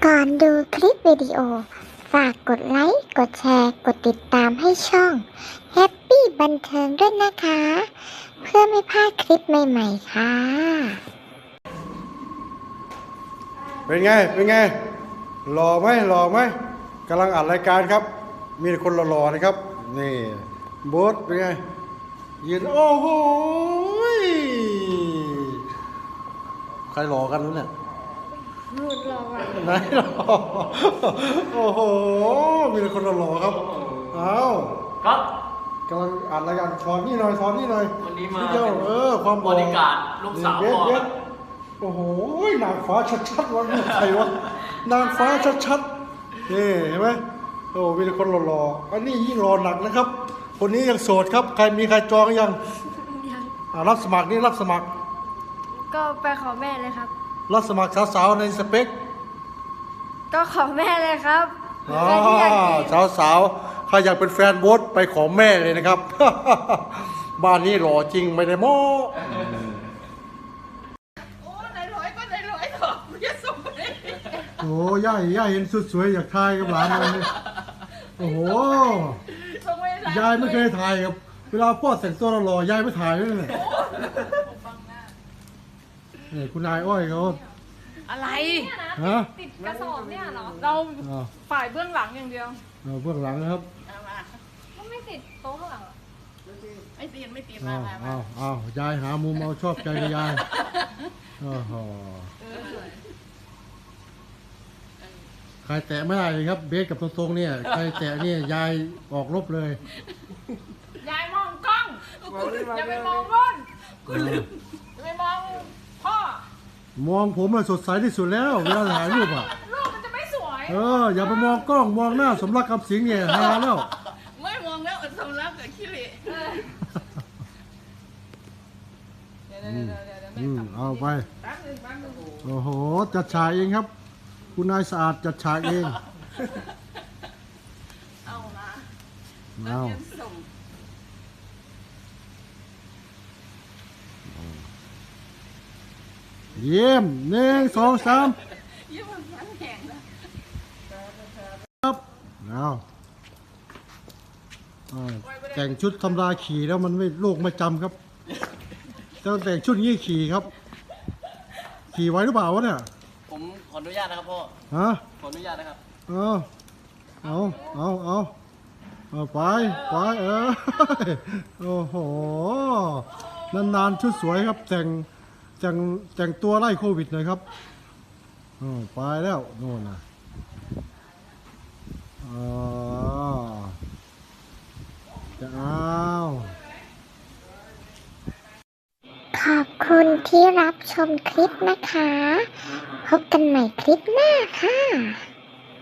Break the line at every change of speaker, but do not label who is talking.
ก่อนดูคลิปวิดีโอฝากกดไลค์กดแชร์กดติดตามให้ช่อง Happy บันเทิงด้วยนะคะเพื่อไม่พลาดคลิปใหม่ๆค่ะ
เป็นไงหล่อไหมกำลังอัดรายการครับมีแต่คนหล่อๆนะครับนี่โบ๊ทเป็นไงยืนโอ้โหใครหล่อกันวะเนี่ยรูดหล่อไหนหล่อโอ้โหมีแต่คนหล่อๆครับเอา
ครับ
กำลังอัดรายการถอนนี่หน่อย
วันนี้มา
เดียวความ
บริการลูกสาวพ่อครับ
โอ้โหนางฟ้าชัดๆวะใครวะนางฟ้าชัดๆนี่เห็นไหมโอ้มีแต่คนหล่อๆอันนี้ยิ่งหล่อหนักนะครับคนนี้ยังโสดครับมีใครจองยังรับสมัคร
ก็ไปขอแม่เลยครับ
รับสมัครสาวๆในสเปค
ก็ขอแม่เลยครับ
สาวใครอยากเป็นแฟนโบ๊ทไปขอแม่เลยนะครับ บ้านนี้หล่อจริงไม่ได้โม้โอ้ย่าเห็นสุดสวยอยากถ่ายกับหลานเลยโอ้โหยายไม่เคยถ่ายกับเวลาพ่อแต่งตัวหล่อยายไม่ถ่ายเลยเนี่ยนี่คุณนายอ้อยเขา
อะไร
ฮะ
ติดกระสอบเนี่ยเหรอเราฝ่ายเบื้องหลังอย่างเดียว
เบื้องหลังนะครับ
ก็ไม่ติดโต๊ะข้างหลังไม่ติดม
ายายหามุมเอาชอบใจกับยายโอ้โหใครแตะไม่ได้เลยครับเบสกับตรงๆเนี่ยใครแตะเนี่ยยายออกรบเลย
ยายมองกล้องอย่าไปมองรุ่นอย่าไปมองพ่อ
มองผมอะสดใสที่สุดแล้วเวลาถ่ายรูปอะ
รูปมันจะไม่สวย
อย่าไปมองกล้องมองหน้าสมรักคำสิงเนี่ยฮาแล้ว
ไม่มองแล้วสมรักกับขี้เหร่
เอาไปโอ้โหจัดฉากเองครับคุณนายสะอาดจัดฉากเอง
เอา
เยี่ยม1 2 3ครับแต่งชุดทำลายขี่แล้วมันไม่โลกไม่จำครับต้องแต่งชุดนี้ขี่ครับขี่ไว้หรือเปล่าวะเนี่ย
ผมขออนุญาตนะครับพ่อขออนุญาตนะครับ
ไปโอ้โหนานๆชุดสวยครับแต่งตัวไล่โควิดหน่อยครับไปแล้วโน่นนะจะ
ขอบคุณที่รับชมคลิปนะคะพบกันใหม่คลิปหน้าค่ะ